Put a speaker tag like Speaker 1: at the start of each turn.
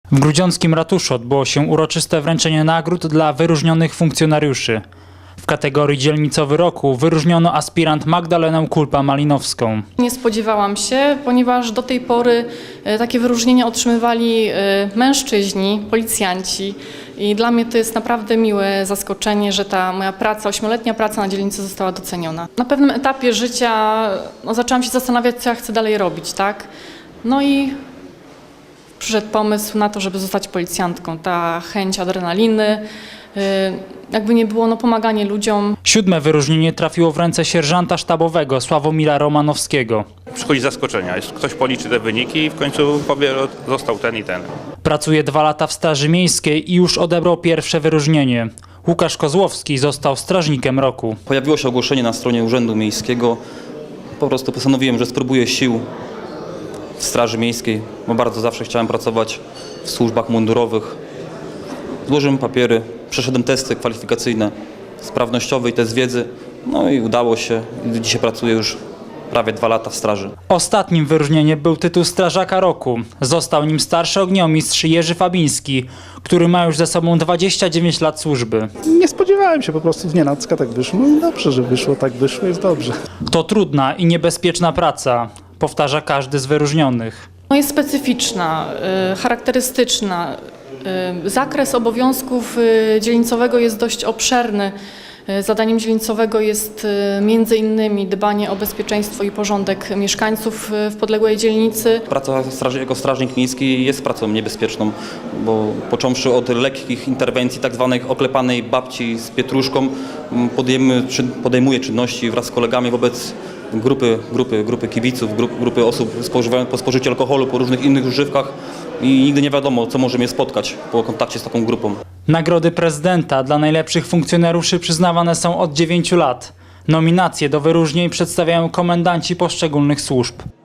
Speaker 1: W grudziąckim ratuszu odbyło się uroczyste wręczenie nagród dla wyróżnionych funkcjonariuszy. W kategorii Dzielnicowy Roku wyróżniono aspirant Magdalenę Kulpa-Malinowską.
Speaker 2: Nie spodziewałam się, ponieważ do tej pory takie wyróżnienia otrzymywali mężczyźni, policjanci. I dla mnie to jest naprawdę miłe zaskoczenie, że ta moja praca, 8-letnia praca na dzielnicy została doceniona. Na pewnym etapie życia zaczęłam się zastanawiać, co ja chcę dalej robić, tak? No i przyszedł pomysł na to, żeby zostać policjantką. Ta chęć adrenaliny, jakby nie było, pomaganie ludziom.
Speaker 1: 7. wyróżnienie trafiło w ręce sierżanta sztabowego Sławomira Romanowskiego.
Speaker 3: Przychodzi zaskoczenia. Ktoś policzy te wyniki i w końcu powie, że został ten i ten.
Speaker 1: Pracuje 2 lata w Straży Miejskiej i już odebrał pierwsze wyróżnienie. Łukasz Kozłowski został strażnikiem roku.
Speaker 4: Pojawiło się ogłoszenie na stronie Urzędu Miejskiego. Po prostu postanowiłem, że spróbuję sił w Straży Miejskiej, bo bardzo zawsze chciałem pracować w służbach mundurowych. Złożyłem papiery, przeszedłem testy kwalifikacyjne, sprawnościowe i test wiedzy. No i udało się. Dzisiaj pracuję już prawie 2 lata w straży.
Speaker 1: Ostatnim wyróżnieniem był tytuł Strażaka Roku. Został nim starszy ogniomistrz Jerzy Fabiński, który ma już ze sobą 29 lat służby.
Speaker 5: Nie spodziewałem się, po prostu znienacka tak wyszło. No dobrze, że wyszło, tak wyszło, jest dobrze.
Speaker 1: To trudna i niebezpieczna praca, powtarza każdy z wyróżnionych.
Speaker 2: Jest specyficzna, charakterystyczna. Zakres obowiązków dzielnicowego jest dość obszerny. Zadaniem dzielnicowego jest między innymi dbanie o bezpieczeństwo i porządek mieszkańców w podległej dzielnicy.
Speaker 4: Praca jako strażnik miejski jest pracą niebezpieczną, bo począwszy od lekkich interwencji, tak zwanej oklepanej babci z pietruszką, podejmuje czynności wraz z kolegami wobec grupy kibiców, grupy osób po spożyciu alkoholu, po różnych innych używkach i nigdy nie wiadomo, co może mnie spotkać po kontakcie z taką grupą.
Speaker 1: Nagrody prezydenta dla najlepszych funkcjonariuszy przyznawane są od 9 lat. Nominacje do wyróżnień przedstawiają komendanci poszczególnych służb.